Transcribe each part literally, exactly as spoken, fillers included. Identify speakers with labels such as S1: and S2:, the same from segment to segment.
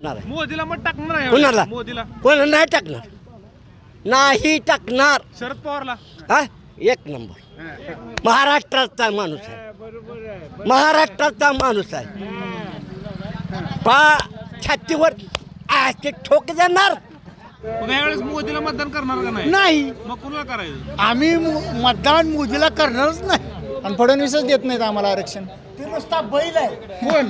S1: मोदीला मत टाकणार आहे
S2: कोणाला?
S1: मोदीला
S2: कोण नाही टाकणार, नाही टाकणार.
S1: शरद पवारला
S2: हा एक नंबर महाराष्ट्राचा माणूस आहे, महाराष्ट्राचा माणूस आहे. पा छातीवर आजचे ठोके देणार
S1: मग यावेळेस मोदीला मतदान करणार का नाही?
S3: नाही,
S1: मग कुणाला करायचं?
S3: आम्ही मु- मतदान मोदीला करणारच नाही.
S4: आणि फडणवीसच देत नाहीत आम्हाला आरक्षण.
S3: ते नुसता बैल आहे.
S1: कोण?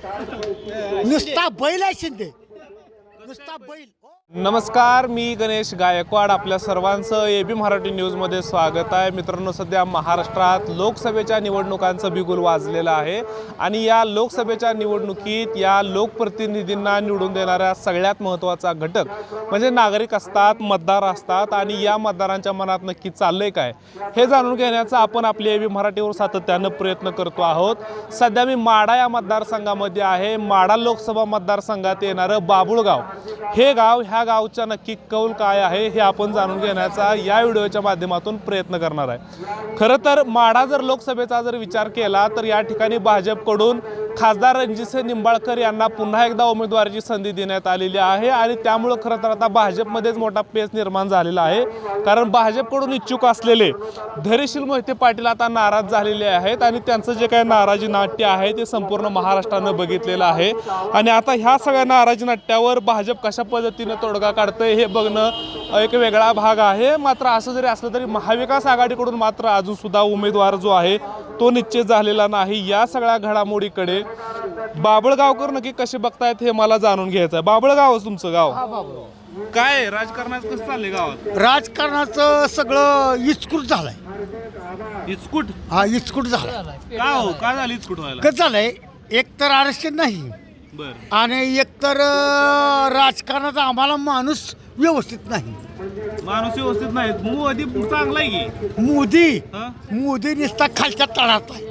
S3: नुसता बैल आहे शिंदे, नुसता बैल.
S1: नमस्कार, मी गणेश गायकवाड. आपल्या सर्वांचं ए बी मराठी न्यूजमध्ये स्वागत आहे. मित्रांनो, सध्या महाराष्ट्रात लोकसभेच्या निवडणुकांचं बिगुल वाजलेलं आहे आणि या लोकसभेच्या निवडणुकीत या लोकप्रतिनिधींना निवडून देणाऱ्या सगळ्यात महत्त्वाचा घटक म्हणजे नागरिक असतात, मतदार असतात आणि या मतदारांच्या मनात नक्की चाललंय काय हे जाणून घेण्याचा आपण आपल्या ए बी मराठीवर सातत्यानं प्रयत्न करतो आहोत. सध्या मी माढा या मतदारसंघामध्ये आहे. माढा लोकसभा मतदारसंघात येणारं बाबुळगाव हे गाव, ह्या गावचा नक्की कौल काय आहे हे आपण जाणून घेण्याचा या व्हिडिओच्या माध्यमातून प्रयत्न करणार आहे. खरं तर माढा जर लोकसभेचा जर विचार केला तर या ठिकाणी भाजपकडून खासदार रणजितसिंह निंबाळकर यांना पुन्हा एकदा उमेदवारीची संधी देण्यात आलेली आहे आणि त्यामुळं खरं तर आता भाजपमध्येच मोठा पेच निर्माण झालेला आहे. कारण भाजपकडून इच्छुक असलेले धैर्यशील मोहिते पाटील आता नाराज झालेले आहेत आणि त्यांचं जे काही नाराजी नाट्य आहे ते संपूर्ण महाराष्ट्रानं बघितलेलं आहे. आणि आता ह्या सगळ्या नाराजी नाट्यावर भाजप कशा पद्धतीनं तोडगा काढतंय हे बघणं एक वेगळा भाग आहे. मात्र असं जरी असलं तरी महाविकास आघाडीकडून मात्र अजून सुद्धा उमेदवार जो आहे तो निश्चित झालेला नाही. या सगळ्या घडामोडीकडे बाबळगावकर नक्की कसे बघतायत हे मला जाणून घ्यायचं आहे. बाबळगाव तुमचं गाव काय राजकारणाचं कसं चाललंय गावात?
S3: राजकारणाचं सगळं इचकूट झालंय.
S1: इचकूट?
S3: हा इचकूट झाला.
S1: का हो, काय झालं इचकूट व्हायला?
S3: कसं झालंय, एक तर आरक्षण नाही
S1: बर
S3: आणि एकतर अं, राजकारणाचा आम्हाला माणूस व्यवस्थित नाही.
S1: माणूस व्यवस्थित नाही. मोदी चांगला आहे की?
S3: मोदी
S1: हा?
S3: मोदी नुसता खालच्या तळात आहे.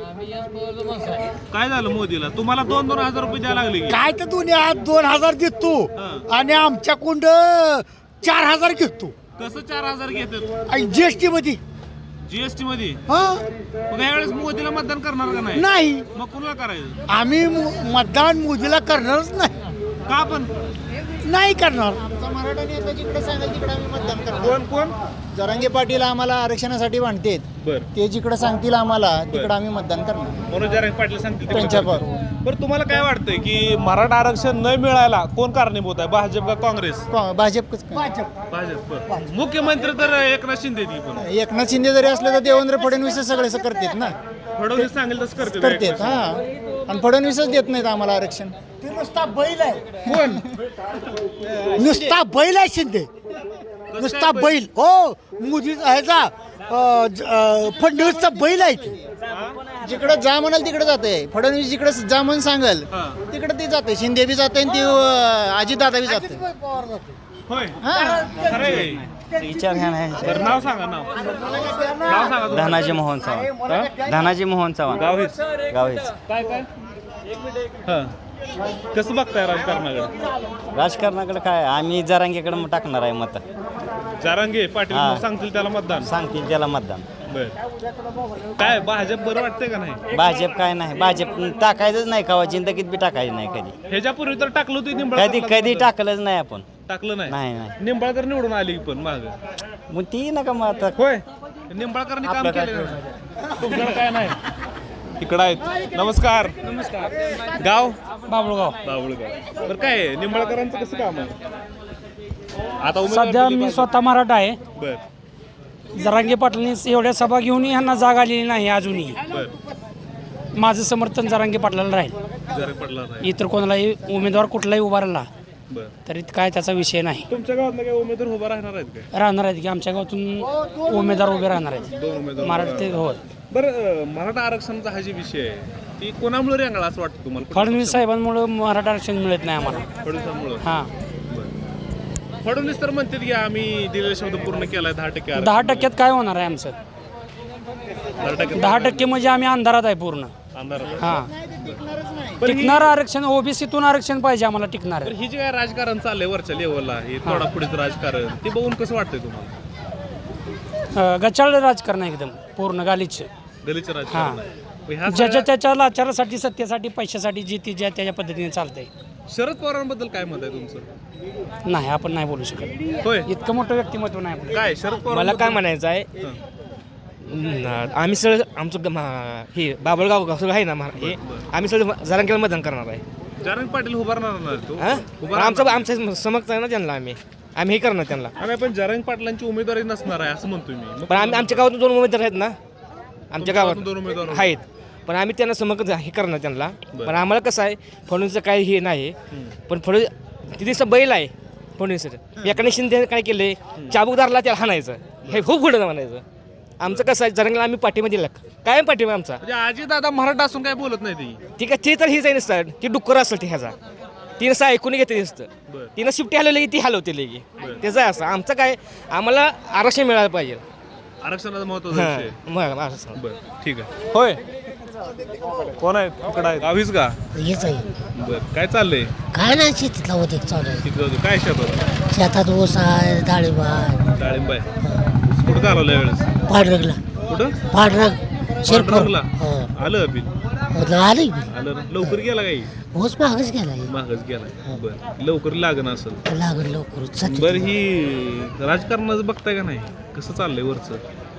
S1: काय झालं मोदीला? तुम्हाला दोन दोन हजार रुपये द्यायला लागले की?
S3: काय तर दोन्ही आज दोन हजार देतो
S1: हा.
S3: आणि आमच्या कुंड चार हजार घेतो
S1: कसं चार हजार घेतात
S3: आणि जीएसटी मध्ये.
S1: जीएसटी मध्ये?
S3: हा
S1: मग यावेळेस मोदीला मतदान करणार का नाही?
S3: नाही,
S1: मग कुणाला करायचं?
S3: आम्ही मु- मतदान मोदीला करणारच नाही.
S1: का पण?
S3: नाही करणार.
S4: आमचा मराठा नेता जिकडे सांगेल तिकडे आम्ही मतदान करणार.
S1: कोण कोण?
S4: जरांगे पाटील आम्हाला आरक्षणासाठी भांडतेत.
S1: बर
S4: ते जिकडे सांगतील आम्हाला तिकडे आम्ही मतदान करणार.
S1: मनोज जरांगे पाटील सांगतील तिकडे
S4: त्यांच्यावर.
S1: करतील. बरं, तुम्हाला काय वाटतंय की मराठा आरक्षण न मिळायला कोण कारणीभूत आहे? भाजप का काँग्रेस?
S4: को- भाजपच काय.
S1: भाजप. बरं. मुख्यमंत्री तर एकनाथ शिंदे ती पण
S4: एकनाथ शिंदे जरी असले तर देवेंद्र फडणवीस सगळे असं करतात ना,
S1: फडणवीस सांगेल तसं करते
S4: करतात. हा, आणि फडणवीसच देत नाहीत आम्हाला आरक्षण.
S3: ते नुसता बैल आहे.
S1: कोण?
S3: नुसता बैल आहे शिंदे, नुसता बैल. हो, मोदी ह्याचा अं, ज- अं, फडणवीसचा बैल आहे ते.
S4: जिकडे जा म्हणाल तिकडे जाते. फडणवीस जिकडे जा म्हणून सांगेल
S1: हा.
S4: तिकडे ते जाते. शिंदे बी जाते आणि ती अजितदादा बी जाते.
S1: होय,
S4: हा,
S1: खरं आहे.
S5: विचार घ्या नाही.
S1: बरं, नाव सांगा. नाव नाव सांगा तुमचं.
S5: धनाजी मोहन चव्हाण.
S1: हा?
S5: धनाजी मोहन चव्हाण.
S1: गाव हेच.
S5: गाव हेच.
S1: काय काय हा कसं बघताय राजकारणाकडे?
S5: राजकारणाकडे काय, आम्ही जरांगेकडे मग टाकणार आहे मत.
S1: जारांगे पाटील
S5: हा.
S1: सांगतील त्याला मतदान.
S5: सांगतील त्याला मतदान.
S1: बर काय भाजप बरं वाटतंय का नाही?
S5: भाजप काय नाही, भाजप टाकायचंच नाही कवा जिंदगीत बी टाकायचं नाही कधी.
S1: ह्याच्यापूर्वी तर टाकलं होतं
S5: कधी
S1: निंबाळकर.
S5: कधी टाकलंच नाही आपण.
S1: टाकलं नाही.
S5: नाही नाही
S1: निंबाळकर निवडून आली पण माग.
S5: मग ती नका मग आता.
S1: होय, निंबाळकरनी काम केलं. तुमच्याकडे काय नाही? इकडं आहेत. नमस्कार. नमस्कार. गाव?
S6: बाबुळगाव.
S1: बाबुळगाव. बरं, काय आहे? निंबाळकरांचं कसं काम आहे आता? उमेदवार
S6: सध्या
S1: दिली
S6: मी
S1: पाहिजे.
S6: स्वतः मराठा आहे.
S1: बर
S6: जरांगे पाटलांनी एवढ्या सभा घेऊन ह्यांना जाग आलेली नाही अजूनही.
S1: बर
S6: माझं समर्थन जरांगे पाटलाला राहील.
S1: जरा पडला नाही.
S6: इतर कोणालाही उमेदवार कुठलाही उभा राहिला
S1: बर
S6: तरी काय त्याचा विषय नाही.
S1: तुमच्या गावात काय उमेदवार उभा राहणार आहेत काय?
S6: राहणार आहेत की आमच्या गावातून उमेदवार उभे राहणार आहेत.
S1: दोन उमेदवार
S6: मराठा ते हो.
S1: बरं, मराठा आरक्षणाचा हा जे विषय आहे ती कोणामुळे रेंगाळा असं वाटतं तुम्हाला? कुठल्या
S6: फडणवीस साहेबांमुळे मराठा आरक्षण मिळत नाही आम्हाला.
S1: पक्षामुळे? फडणवीसांमुळे.
S6: हां,
S1: फडणवीस तर म्हणतात की आम्ही दिलेला शब्द पूर्ण केलाय. दहा टक्के आरक्षण.
S6: दहा टक्क्यात काय होणार आहे आमचं?
S1: दहा टक्के
S6: दहा टक्के म्हणजे आम्ही अंधारात आहे पूर्ण.
S1: अंधारात.
S6: हां,
S1: पण ही-
S6: टिकणारं आरक्षण ओबीसीतून आरक्षण पाहिजे आम्हाला टिकणार.
S1: तर ही जी काय राजकारण चाललंय वरच्या लेवलला, हे तोडाफोडीचं राजकारण, ते बघून कसं वाटतंय तुम्हाला?
S6: गचाळ राजकारण आहे एकदम पूर्ण गालीच.
S1: गलीचं राजकारण आहे. मग ह्या
S6: ज्याच्या
S1: सगळ्या-
S6: त्याच्या लाचारासाठी, सत्तेसाठी, पैशासाठी जी ती ज्या त्याच्या पद्धतीने चालतंय.
S1: शरद पवारांबद्दल काय मत आहे तुमचं?
S6: नाही आपण नाही बोलू शकत.
S1: होय,
S6: इतकं मोठं व्यक्तिमत्व नाही आपलं.
S1: काय शरद पवार
S7: मला काय म्हणायचं आहे न- आम्ही सगळं आमचं ग- मा- हे बाबळगाव सगळं आहे ना मा- हे आम्ही सगळं जरांगेला मतदान करणार आहे.
S1: जरांगे पाटील उभारणार ना तो
S7: हा? पण आमचं आमचं समक्ष आहे ना त्यांना आम्ही आम्ही हे करणार त्यांना.
S1: आम्ही पण जरांगे पाटलांची उमेदवारी नसणार आहे असं म्हणतोय मी. मग
S7: पण आम्ही आमच्या गावातून दोन उमेदवार आहेत ना आमच्या गावात
S1: दोन उमेदवार
S7: आहेत. पण आम्ही त्यांना समक्ष हे करणार त्यांना. पण आम्हाला कसं आहे फडणवीसचं काही हे नाही. पण फडणवीस तिथे बैल आहे फडणवीस एकाने शिंदे काय केले चाबूकदारला त्याला हाणायचं हे खूप पुढं म्हणायचं. आमचं कसं आहे जरंगला आम्ही पाठिंबा दिला कायम पाठिंबा आमचा.
S1: म्हणजे आजी दादा मराठा असून काय बोलत नाही ती.
S7: ठीक आहे ते तर हेच आहे नसतं ती डुक्कर असेल ती ह्याचा ती नसं ऐकून घेते नसतं.
S1: बरं.
S7: तिनं शिफ्टी हलवली की ती हलवते लगी त्याचं आहे असं. आमचं काय आम्हाला आरक्षण मिळालं पाहिजे.
S1: आरक्षणाचं महत्वाचं
S7: हां
S1: विषय.
S7: मग असं.
S1: बरं ठीक आहे. होय, कोण आहे तिकडं आहे गावीच का?
S8: हेच आहे
S1: बरं, काय चाललंय
S8: काय नाही शेतीतला होते चालू आहे.
S1: तिकडं होतं. काय शेतात?
S8: शेतात ऊस आहे डाळिंब आहे
S1: डाळिंब आहे. कुठं चालवलं यावेळेस?
S8: पांढरगला
S1: कुठं?
S8: पांढरग शिरपूर
S1: पांढरंगला? आलं बिल
S8: आली
S1: आलं ना? लवकर गेला काही
S8: ऊस महागच गेला
S1: महागच गेला. बरं, लवकर लागण असेल.
S8: लागल लवकर
S1: बरं, ही राजकारणाचं बघताय का नाही कसं चाललंय वरचं?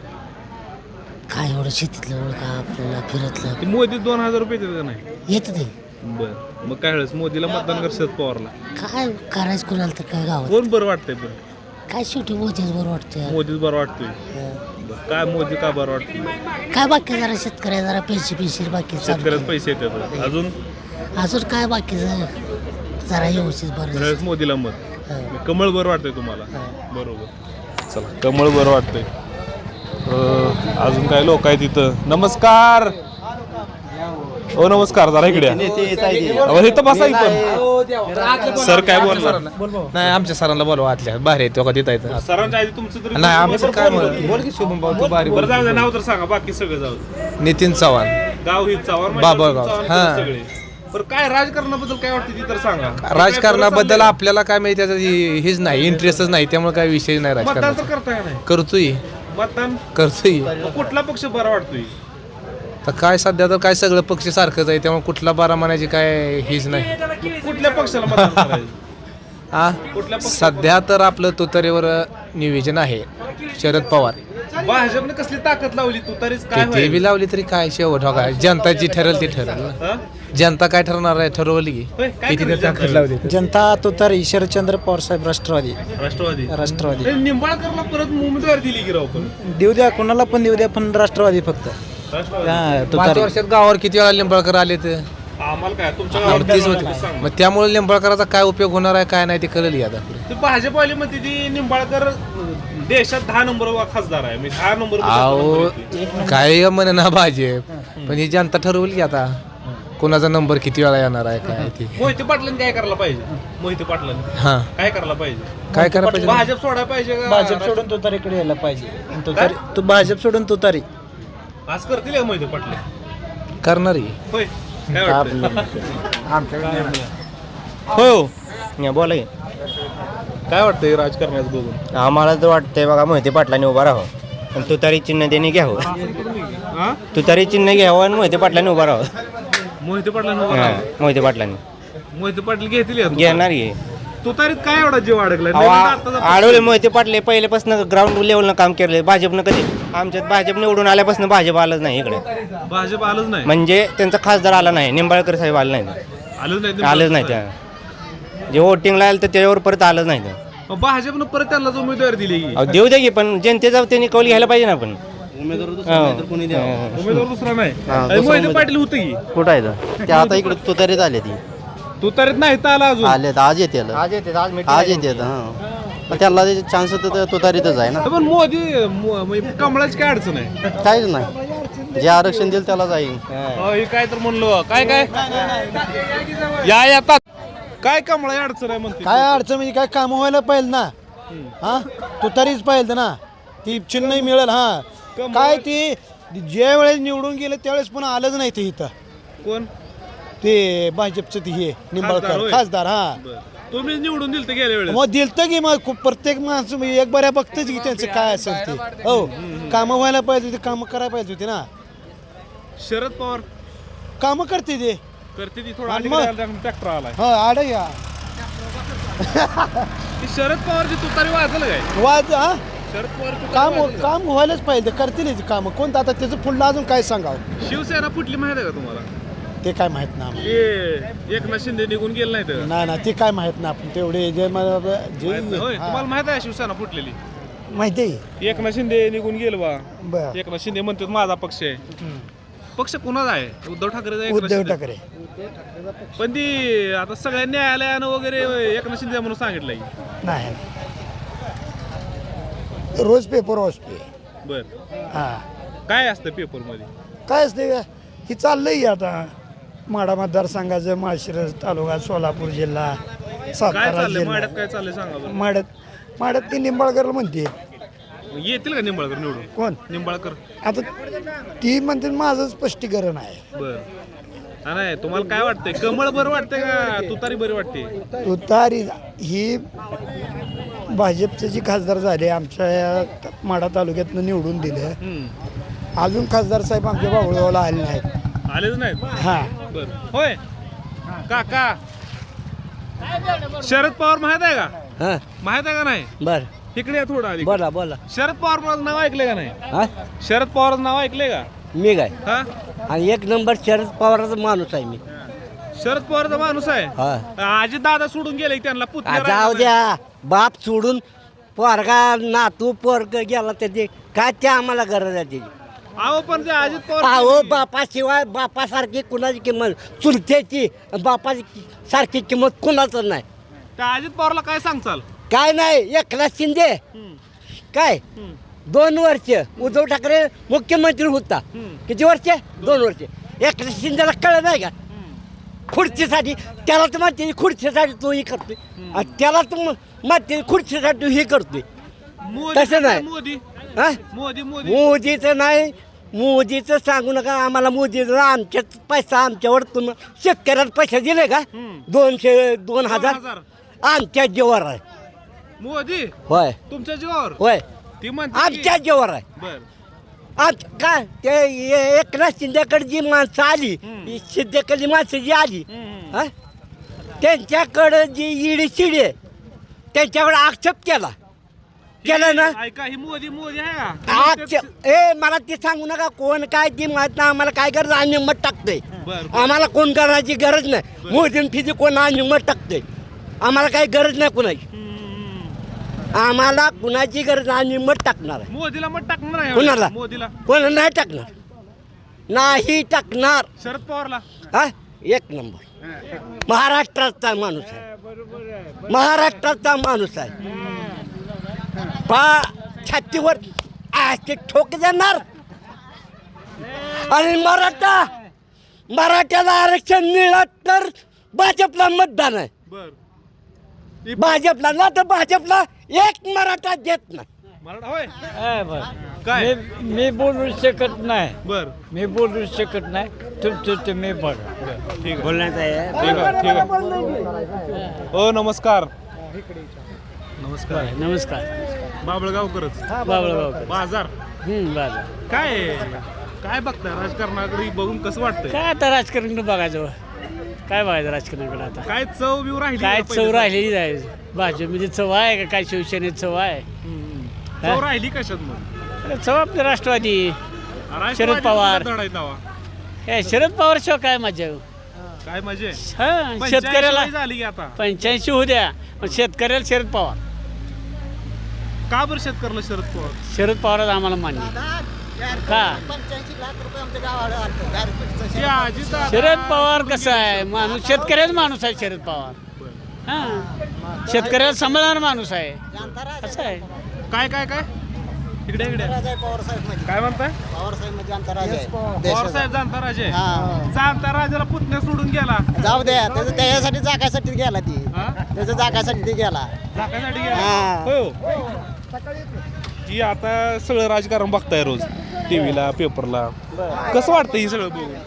S8: काय एवढं शेतीतलं एवढं का आपल्याला फिरतलं
S1: ते मोदी दोन हजार रुपये देतात का नाही?
S8: येत ते
S1: बरं, मग काय वेळेस मोदीला मतदान कर शरद पवारला?
S8: काय करायचं कोणाला तर काय गावात
S1: कोण बरं वाटतंय पण?
S8: काय शेवटी मोदीच बरं वाटतं.
S1: मोदीच बरं वाटतोय. बरं, काय मोदी का बरं वाटतोय?
S8: काय बाकी जरा शेतकऱ्या जरा पैसे पैसे बाकी चालू
S1: शेतकऱ्यात पैसे येतात. अजून
S8: अजून काय बाकीचं जरा व्यवस्थित बरं
S1: वेळेस मोदीला मत.
S8: हा.
S1: कमळ बरं वाटतंय तुम्हाला? बरोबर, चला कमळ बरं वाटतंय. अं, अजून काय लोक आहेत तिथं. नमस्कार. ओ नमस्कार, जरा इकडे या. अहो, इथं बसा इथं. सर काय बोलणार?
S9: नाही आमच्या सरांना बोलवा आतल्या बाहेर येतो का तिथं येतं
S1: सरांच्या आधी तुमचं तरी
S9: नाही आमचं काय म्हणत बोल की शुभम भाऊ तू बारी
S1: बरं, जाऊ द्या, नाव तर सांगा, बाकी सगळं जाऊ द्या.
S9: नितीन चव्हाण
S1: गाव ही चव्हाण
S9: बाबळगाव.
S1: चव्हाण
S9: हां.
S1: सगळे. बरं, काय राजकारणाबद्दल काय वाटतं ती तर सांगा.
S9: राजकारणाबद्दल आपल्याला काय माहिती त्याचं हे- हेच नाही इंटरेस्टच नाही त्यामुळे काय विषय नाही
S1: मतदान तर
S9: राजकारणाचा
S1: करताय नाही?
S9: करतोय
S1: मतदान
S9: करतोय
S1: मग कुठला पक्ष बरा वाटतोय?
S9: तर काय सध्या तर काय सगळं पक्ष सारखंच आहे त्यामुळे कुठला बारा म्हणायची काय हेच नाही
S1: कुठल्या पक्षाला मतदान करायचं?
S9: हा
S1: कुठल्या पक्ष?
S9: सध्या तर आपलं तुतारीवर नियोजन आहे शरद पवार
S1: भाजपने कसली ताकद लावली तू तरीच काय
S9: किती
S1: होईल?
S9: बी लावली तरी काय शेवट हो काय जनता जी ठरेल ती ठरेल ना.
S1: हं?
S9: जनता काय ठरवणार आहे ठरवली की
S1: होय, काय
S9: किती
S1: करेल
S9: ताकद
S1: जनता?
S9: लावली
S3: जनता तो तर ईश्वरचंद्र पवार साहेब राष्ट्रवादी
S1: राष्ट्रवादी
S3: राष्ट्रवादी
S1: नाही, निंबाळकरला परत उमेदवार दिली की राव पण
S3: देऊ द्या कोणाला पण देऊ द्या पण राष्ट्रवादी फक्त
S1: राष्ट्रवादी.
S3: हा,
S9: पाच
S3: तुतारी.
S9: वर्षात गावावर किती वेळा लिंबाळकर आले तर
S1: आम्हाला काय तुमच्या
S9: तीच
S1: गावात
S9: होती
S1: सांग.
S9: मग त्यामुळे लिंबाळकराचा काय उपयोग होणार आहे काय नाही ते कळलं आता
S1: ते भाजपवाली म्हणते ती निंबाळकर देशात दहा नंबर खासदार आहे मी दहा नंबर
S9: अहो काय म्हणे ना भाजप पण ही जनता ठरवली की आता कोणाचा नंबर किती वेळा येणार आहे काय ते
S1: मोहिते पाटलांनी काय करायला पाहिजे? मोहिते पाटलांनी
S9: हा
S1: काय करायला पाहिजे?
S9: काय करायला पाहिजे
S1: भाजप सोडायला पाहिजे का?
S3: भाजप सोडून तुतारीकडे यायला पाहिजे तुतारी तू भाजप सोडून तुतारी
S1: आज करतील का मोहिते पाटील?
S9: करणारी
S1: होय, काय वाटतं?
S5: हो बोला की.
S1: काय वाटतंय राजकारणाचं बघून?
S5: आम्हाला तर वाटतंय बघा मोहिते पाटलांनी उभा राहावं आणि तुतारी चिन्ह त्यांनी घ्यावं.
S1: हा?
S5: तुतारी चिन्ह घ्यावं आणि मोहिते पाटलांनी उभा राहावं.
S1: मोहिते पाटलांना उभं
S5: हां,
S1: राहा.
S5: मोहिते पाटलांनी
S1: मोहिते पाटील घेतील या तुतारीत?
S5: घेणार घे
S1: तुतारीत काय एवढा जीव अडकलाय? नवीन आत्ताचा पक्ष.
S5: आडवले मोहिते पाटले पहिल्यापासून ग्राउंड लेवलनं काम केलं भाजपनं. कधी आमच्यात भाजप निवडून आल्यापासून भाजप आलंच नाही इकडे.
S1: भाजप आलंच नाही.
S5: म्हणजे त्यांचा खासदार आला नाही निंबाळकर साहेब आला नाही
S1: आलंच नाही ते
S5: आलंच नाही त्या जे वोटिंगला आलं तर त्याच्यावर परत आलंच नाही ते.
S1: मग भाजपनं परत त्याला उमेदवार दिली की?
S5: अहो, देऊ दे की पण जनतेचा त्यांनी कौल घ्यायला पाहिजे ना आपण. हो.
S1: उमेदवार दुसरा नाही.
S5: हा,
S1: अरे मोहिते पाटील होते की
S5: कुठं आहे ते आता इकडे तुतारीत आले ती
S1: तुतारीत नाही तर आला अजून.
S5: आले आज येते आज येते आज येते त्याला चान्स तुतारीतच आहे ना.
S1: पण मोदी मो- म्हणजे कमळाची काय अडचण आहे?
S5: काहीच नाही जे आरक्षण देईल त्याला जाईल.
S1: अहो, हे काय तर म्हणलो काय काय या येतात काय कमळा अडचण आहे म्हणते?
S3: काय अडचण म्हणजे काय काम व्हायला पाहिजे ना हा तुतारीच पाहिजे ना ती चिन्ह मिळेल हा काय ती ज्या वेळेस निवडून गेले त्यावेळेस पुन्हा आलंच नाही ते इथं
S1: कोण?
S3: ते भाजपचं ते हे
S1: खासदार
S3: निंबाळकर
S1: होय?
S3: खासदार हा
S1: बरं. तुम्ही निवडून दिल तर गेल्या वेळेस
S3: मग दिलतं की मग खूप प्रत्येक माणसं म्हणजे एक बऱ्या बघतच की त्यांचं काय असेल ते हो कामं व्हायला पाहिजे होती कामं करायला पाहिजे होती ना
S1: शरद पवार
S3: कामं करते ते
S1: करते ती थोडं
S3: आणि मग?
S1: ट्रॅक्टर आलाय
S3: हो आड या
S1: ती शरद पवारची तुतारी वाजल काय
S3: वाज हा
S1: शरद पवार
S3: काम काम व्हायलाच पाहिजे करतील काम कोणतं आता त्याचं पुढलं अजून काय सांगावं
S1: शिवसेना फुटली माहिती आहे का तुम्हाला
S3: ते काय माहित ना आम्हाला.
S1: ते एकनाथ शिंदे निघून गेले नाही तर
S3: नाही ना ते काय माहित ना आपण तेवढे जे मला जे
S1: माहित नाही, होय
S3: हा.
S1: तुम्हाला माहित आहे शिवसेना फुटलेली
S3: माहिती आहे
S1: एकनाथ शिंदे निघून गेलं बा
S3: बर
S1: एकनाथ शिंदे म्हणतात माझा पक्ष आहे पक्ष कुणाचा आहे उद्धव ठाकरे
S3: उद्धव ठाकरे
S1: पण ती आता सगळ्या न्यायालयानं वगैरे एकनाथ शिंदे म्हणून सांगितलंय
S3: नाही रोज पेपर वाचतोय
S1: बर
S3: हा
S1: काय असतं पेपर मध्ये
S3: काय असते ही चाललंय आता माडा मतदारसंघाचं माळशिरस तालुका सोलापूर जिल्हा
S1: काय
S3: सातारा
S1: चाललंय
S3: जिल्हा
S1: माड्यात काय चाललंय सांगा बरं
S3: माड्यात माड्यात ती निंबाळकरला म्हणते
S1: येतील का निंबाळकर निवडून
S3: कोण
S1: निंबाळकर
S3: आता ती म्हणते माझं स्पष्टीकरण आहे
S1: बर हा नाही तुम्हाला काय वाटतंय कमळ बरं वाटतंय का तुतारी बरी वाटते
S3: तुतारी ही भाजपचे जी खासदार झाले आमच्या या माडा तालुक्यातनं निवडून दिले अजून खासदार साहेब आमच्या बाबुळगावला आले नाहीत
S1: आलेच नाहीत
S3: हा
S1: बर होय काका शरद पवार माहित आहे का
S2: हा
S1: माहित आहे का नाही
S2: बर
S1: इकडे या थोडं आधी
S2: बोला बोला
S1: शरद पवार माझं नाव ऐकलंय का नाही
S2: हा
S1: शरद पवारचं नाव ऐकलंय का
S2: मी काय
S1: हा
S2: आणि एक नंबर शरद पवाराचा माणूस आहे मी
S1: शरद पवारचा माणूस आहे
S2: हा
S1: आजी दादा सोडून गेले त्यांना
S2: आ,
S1: पुतण्या
S2: जाऊ
S1: राहिला
S2: द्या बाप सोडून पोरगा नातू पोरग गेला त्याची काय ते आम्हाला गरज आहे त्याची
S1: नाही. अहो पण ते अजित पवार
S2: अहो बापाशिवाय बापासारखी कुणाची किंमत चुलत्याची बापाची सारखी किंमत कुणाच नाही
S1: त्या अजित पवारला काय सांगचाल
S2: काय नाही एकनाथ शिंदे काय दोन वर्ष उद्धव ठाकरे मुख्यमंत्री होता किती वर्ष दोन वर्ष एकनाथ शिंदेला कळलं नाही का खुर्चीसाठी त्याला तर माहिती खुर्चीसाठी तो हे करतोय आणि त्याला तर माहिती खुर्चीसाठी हे करतोय
S1: मोदी
S2: तसं नाही.
S1: मोदी
S2: हा
S1: मोदी मोदी
S2: मोदीचं नाही मोदीचं सांगू नका आम्हाला मोदीचं आमच्याच पैसा आमच्यावर तुम्ही शेतकऱ्याला पैसे दिले का दोनशे दोन हजार
S1: हजार.
S2: आमच्या जीवावर आहे
S1: मोदी
S2: होय
S1: तुमच्या जीवावर
S2: होय
S1: ती म्हणते की-
S2: आमच्या जीवावर आहे
S1: बर
S2: आज काय ते ए- एकनाथ शिंदेकडे जी माणसं आली ही शिंदेकडली माणसं जी आली हा त्यांच्याकडं जी इडी शिडी आहे त्यांच्याकडे आक्षेप केला केला ना
S1: ऐका ही मोदी मोदी आहे का
S2: आक्षेप ए मला ते सांगू नका कोण काय ती माहित नाही आम्हाला काय गरज आम्ही मत टाकतोय
S1: बर
S2: आम्हाला कोण करायची गरज नाही मोदीन फिजी कोण आम्ही मत टाकतोय आम्हाला काही गरज नाही कुणाची आम्हाला कुणाची गरज आम्ही मत टाकणार आहे
S1: मोदीला मग टाकणार आहे
S2: कुणाला?
S1: मोदीला
S2: कोण नाही टाकणार नाही टाकणार
S1: शरद पवारला
S2: हा एक नंबर महाराष्ट्राचा माणूस आहे महाराष्ट्राचा माणूस आहे पा छातीवर आजचे ठोक देणार आणि मराठा मराठ्याला आरक्षण मिळत तर भाजपला मतदान आहे
S1: बर
S2: भाजपला ना तर भाजपला एक मराठा देत नाही
S1: मराठा होय काय
S6: मी बोलू शकत नाही
S1: बर
S6: मी बोलू शकत नाही तुमचं तुम्ही बघा
S1: ठीक आहे बोलण्याचं आहे ठीक आहे ठीक आहे हो नमस्कार नमस्कार
S6: नमस्कार
S1: बाबळगावकरच
S6: बाबळगाव
S1: बाजार
S6: बाबा
S1: काय आहे? काय बघताय राजकारणाकडे बघून कसं वाटतंय
S6: काय आता राजकारण बघायचं काय बघायचं राजकारणाकडे आता
S1: काय चव बिव राहिली
S6: काय
S1: का
S6: चव
S1: पहिल्यासारखी?
S6: राहिलेली जायचं भाजपमध्ये चव आहे का काय शिवसेनेत चव आहे
S1: हम्म. चव राहिली कशात मग
S6: अरे चव आपले राष्ट्रवादी
S1: राष्ट्रवादीचा
S6: पवार.
S1: धडा आहे तेव्हा.
S6: हे शरद पवार शिवाय काय मजा
S1: काय मजे
S6: हा शेतकऱ्याला
S1: झाली की आता
S6: पंच्याऐंशी होऊ द्या पण शेतकऱ्याला शरद पवार
S1: का बरं शेतकऱ्याला शरद पवार
S6: शरद पवारच आम्हाला मान्य आहे. का
S1: ते अजित-
S6: शरद पवार कसं आहे माणूस शेतकऱ्याचा माणूस आहे शरद पवार हा शेतकऱ्याला सांभाळणारा माणूस आहे कसं आहे
S1: काय काय काय इकडे इकडे काय म्हणताय पवार साहेब जाणता राजे जाणता राजाला पुतण्या सोडून गेला
S4: जाऊ द्या त्याचं त्याच्यासाठी जागासाठी गेला ती
S1: हा?
S4: त्याच्या जागासाठी ती गेला
S1: झाकासाठी गेला
S4: हा.
S1: हो की आता सगळं राजकारण बघताय रोज टीव्हीला पेपरला कसं वाटतं ही सगळं बघून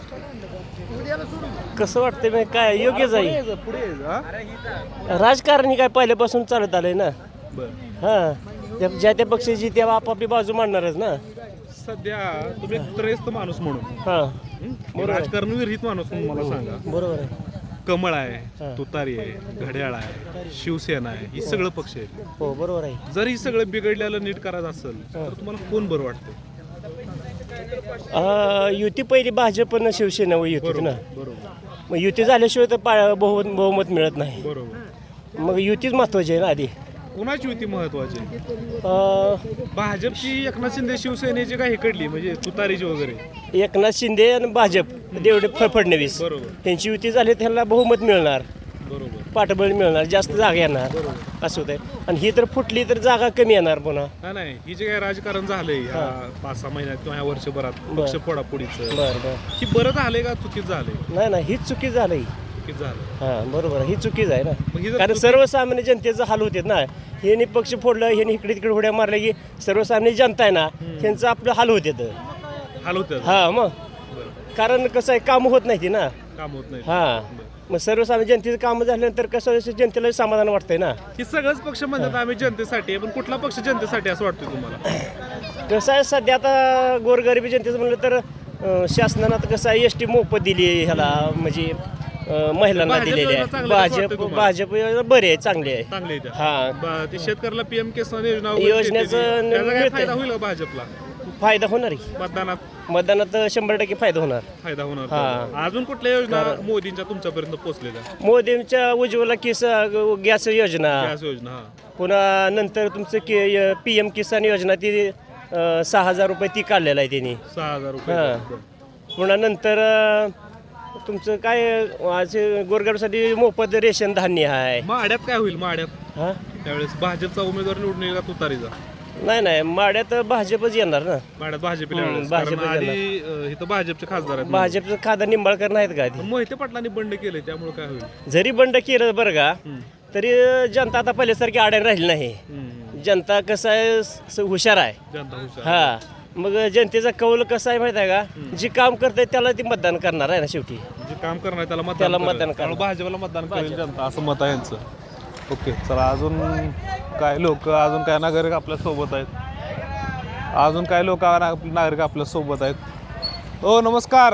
S5: कसं वाटतं मी काय योग्यच आहे
S1: पुढे हा?
S5: राजकारण ही काय पहिल्यापासून चालत आलंय ना
S1: बरं
S5: हां ज्या त्या पक्षाची तेव्हा आपापली बाजू मांडणारच ना
S1: सध्या तुम्ही एक त्रयस्थ माणूस म्हणून
S7: हां
S1: हं? राजकारण विरहित माणूस म्हणून मला सांगा.
S7: बरोबर आहे.
S1: कमळ आहे, तुतारी आहे, घड्याळ आहे, शिवसेना आहे, ही सगळं पक्ष आहेत.
S7: हो बरोबर आहे.
S1: जर ही सगळं बिघडलेलं नीट करायचं असेल तर तुम्हाला कोण बरं वाटतं?
S7: युती पहिली भाजप आणि शिवसेना युती ना.
S1: बरोबर
S7: मग युती झाल्याशिवाय तर पा- बहुमत बहुमत मिळत नाही.
S1: बरोबर.
S7: मग युतीच महत्वाची आहे ना आधी.
S1: कुणाची युती महत्वाची?
S7: अं,
S1: भाजपची एकनाथ शिंदे शिवसेनेची काही कडली म्हणजे तुतारीची वगैरे?
S7: एकनाथ शिंदे आणि भाजप देवडे फ- फडणवीस
S1: बरोबर
S7: त्यांची युती झाली त्यांना बहुमत मिळणार,
S1: बरोबर.
S7: पाठबळ मिळणार, जास्त जागा येणार असं होत आहे. आणि ही तर फुटली तर जागा कमी येणार पुन्हा.
S1: नाही नाही ही जे काही राजकारण झालंय ह्या पाच सहा महिन्यात किंवा ह्या वर्षभरात
S7: बरं.
S1: पक्ष फोडाफोडीचं
S7: बरं बरं
S1: ही बरं झालंय का चुकीच झालंय?
S7: नाही नाही हीच चुकी झाली.
S1: चुकीच झालं.
S7: हां बरोबर आहे, ही चुकीच आहे
S1: मग ही
S7: ना.
S1: जर
S7: कारण
S1: चुकी-
S7: सर्वसामान्य जनतेचं हाल होते ना. ह्यानी पक्ष फोडलं, ह्यानी इकडे तिकडे उड्या मारल्या की सर्वसामान्य जनता आहे ना त्यांचं आपलं हाल होते.
S1: हाल होतं.
S7: हां मग कारण कसं आहे काम होत नाही ती ना.
S1: काम होत नाही.
S7: हां मग सर्वसामान्य जनतेचं काम झाल्यानंतर कसं आहे, जनतेला समाधान वाटतंय ना.
S1: ही सगळंच पक्ष म्हणतात आम्ही जनतेसाठी आहे, पण कुठला पक्ष जनतेसाठी असं वाटतं तुम्हाला?
S7: कसं आहे सध्या आता गोरगरिबी जनतेचं म्हणलं तर अं, शासनानं आता कसं आहे एस टी मोफत दिली ह्याला म्हणजे अं, महिलांना
S1: भाजप
S7: दिलेली
S1: योजना
S7: आहे.
S1: चांगल्या कसं
S7: भाजप
S1: वाटतं तुम्हाला?
S7: भाजप योजना बरी आहे, चांगली आहे.
S1: चांगले आहे त्या.
S7: हां
S1: ब- ते शेतकऱ्याला पीएम किसान योजना वगैरे
S7: योजनेचं
S1: देते ती. त्याचा काय
S7: मिळतंय.
S1: फायदा होईल का भाजपला?
S7: फायदा होणार आहे.
S1: मतदानात
S7: मतदानात शंभर टक्के फायदा होणार.
S1: फायदा होणार.
S7: हां.
S1: अजून कुठल्या योजना मोदींच्या तुमच्यापर्यंत पोहोचलेल्या?
S7: मोदींच्या उज्ज्वला किस गॅस योजना,
S1: गॅस योजना. हा.
S7: पुन्हा नंतर तुमचं की पी एम किसान योजना ती अं, सहा हजार रुपये ती काढलेलं आहे त्यांनी.
S1: सहा हजार रुपये.
S7: हां. पुन्हा नंतर अं, तुमचं काय आज गोरगरिबासाठी मोफत रेशन धान्य आहे.
S1: माड्यात काय होईल? माड्यात
S7: हां
S1: त्यावेळेस भाजपचा उमेदवार निवडून येईल का तुतारीचा?
S7: नाही नाही माड्यात भाजपच येणार ना.
S1: माड्यात भाजपला
S7: हम्म,
S1: यावेळेस.
S7: भाजपच
S1: कारण आधी अं, इथं भाजपचे खासदार आहेत.
S7: भाजपचं खासदार निंबाळकर नाहीत का
S1: पण मोहिते पाटलांनी बंड केले त्यामुळे काय होईल?
S7: ते जरी बंड केलं बरं का तरी जनता आता पहिल्यासारखी आडायला राहिली नाही.
S1: हम्म.
S7: जनता कसं आहे स- हुशार आहे.
S1: जनता हुशार.
S7: हा मग जनतेचा कौल कसा आहे माहिती आहे का, जी काम करते त्याला ती मतदान करणार आहे ना शेवटी.
S1: जे काम करणार त्याला मतदान
S7: त्याला
S1: करेल.
S7: मतदान
S1: त्यामुळे
S7: करणार.
S1: भाजपला मतदान करेल जनता असं मत आहे यांचं. ओके चला अजून काय लोक अजून काय नागरिक आपल्या सोबत आहेत. अजून काय लोक नागरिक आपल्या सोबत आहेत. हो नमस्कार.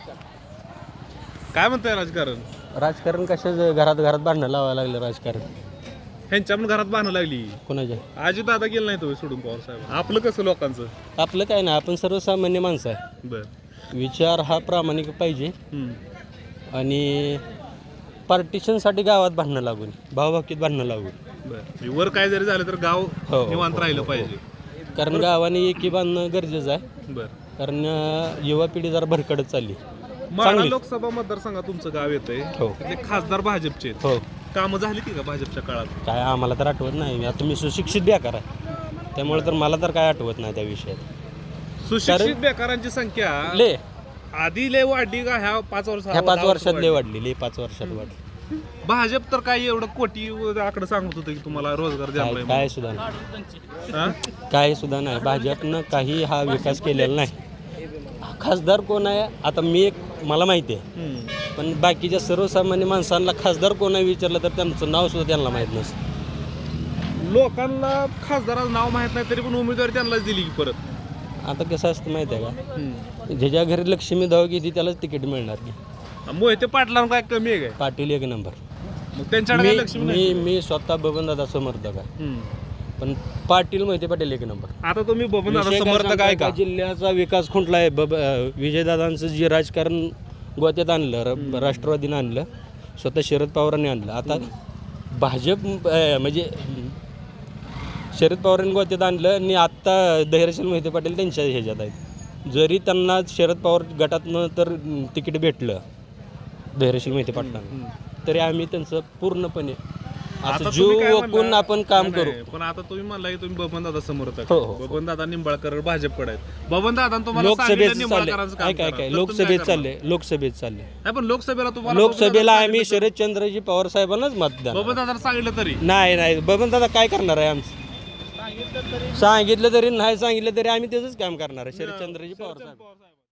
S1: काय म्हणताय राजकारण?
S5: राजकारण कशा घरात घरात भांडणं लावायला लागलं राजकारण
S1: ह्यांच्या पण घरात बांधणं लागली.
S5: कोणाच्या.
S1: आजी दादा गेलं नाही तुम्ही सोडून पवार साहेब. आपलं कसं लोकांचं?
S5: आपलं काय नाही, आपण सर्वसामान्य माणसं आहे.
S1: बर.
S5: विचार हा प्रामाणिक पाहिजे
S1: हम्म.
S5: आणि पार्टिशनसाठी गावात भांडणं लागून भावभाकीत भांडणं लागून.
S1: बर. वर काय जरी झालं तर गाव
S5: हो,
S1: निवांत राहिलं पाहिजे.
S5: कारण गावाने एकी बांधणं गरजेचं आहे.
S1: बर.
S5: कारण अं, युवा पिढी जरा भरकडत चालली.
S1: माढा लोकसभा मतदारसंघात तुमचं गाव येतंय.
S5: हो.
S1: तिथले खासदार भाजपचे आहेत.
S5: हो
S1: कामं झाली ती का भाजपच्या काळात?
S5: काय आम्हाला तर आठवत नाही. आता मी सुशिक्षित बेकार आहे त्यामुळे तर मला तर काय आठवत नाही त्या विषयात.
S1: सुशिक्षित बेकारांची संख्या
S5: ले
S1: आधी लय वाढली का ह्या पाच वर्षात?
S5: ह्या पाच वर्षात लय वाढली लय पाच वर्षात वाढली.
S1: भाजप तर काय एवढं कोटी आकडे सांगत होतं की तुम्हाला रोजगार
S5: काय
S1: द्यायला.
S5: काय सुद्धा नाही,
S1: हा?
S5: काय सुद्धा नाही. भाजपनं काही हा विकास केलेला नाही. खासदार कोण आहे आता मी एक मला माहिती आहे,
S1: हम्म.
S5: पण बाकीच्या सर्वसामान्य माणसांना खासदार कोण आहे विचारलं तर त्यांचं नाव सुद्धा त्यांना माहीत नसतं.
S1: लोकांना खासदाराचं नाव माहित नाही तरी पण उमेदवारी त्यांनाच दिली की परत.
S5: आता कसं असतं माहिती आहे का,
S1: हम्म.
S5: ज्याच्या घरी लक्ष्मी धाव घेते त्यालाच तिकीट मिळणार की.
S1: मोहिते पाटलांना काय कमी आहे काय?
S5: पाटील एक नंबर.
S1: मग त्यांच्याकडे
S5: मी
S1: काय लक्ष्मी नाही?
S5: मी मी स्वतः बबनदादा समर्थक आहे,
S1: हम्म.
S5: पण पाटील मोहिते पाटील एक नंबर.
S1: आता तुम्ही बबन
S5: विषय काय
S1: समर्थक आहे
S5: सांगता,
S1: का?
S5: जिल्ह्याचा विकास खुंटला आहे. बब अं, विजयदादांचं जे राजकारण गोत्यात आणलं, र- राष्ट्रवादीनं आणलं, स्वतः शरद पवारांनी आणलं. आता भाजप अं, म्हणजे शरद पवारांनी गोत्यात आणलं आणि आत्ता धैर्यशील मोहिते पाटील त्यांच्या ह्याच्यात आहेत. जरी त्यांना शरद पवार गटातनं तर तिकीट भेटलं धैर्यशील मोहिते पाटलांना, तरी आम्ही त्यांचं पूर्णपणे
S1: आता
S5: असं
S1: तुम्ही काय
S5: जीव
S1: म्हणला?
S5: ओकून आपण काम
S1: नाही,
S5: करू.
S1: नाही. पण आता तुम्ही म्हणला की तुम्ही बबन दादा समर्थक
S5: हो,
S1: आहे.
S5: हो.
S1: बबन दादा निंबाळकर भाजपकडे आहेत. बबन दादा तुम्हाला
S5: लोकसभेत
S1: सांगितलं
S5: चालले
S1: निंबाळकरांचं काम
S5: काय काय
S1: करा.
S5: काय
S1: तर तुम्ही
S5: लोकसभेत
S1: करणार?
S5: चालले लोकसभेत चालले
S1: नाही पण लोकसभेला तुम्हाला
S5: लोकसभेला
S1: बबन
S5: आम्ही
S1: दादा
S5: शरदचंद्रजी पवार साहेबांनाच मतदान.
S1: बबन दादा सांगितलं तरी
S5: नाही नाही बबन दादा काय करणार आहे आमचं, सांगितलं तरी नाही सांगितलं तरी आम्ही त्याचंच काम करणार आहे. शरदचंद्रजी पवार साहेब.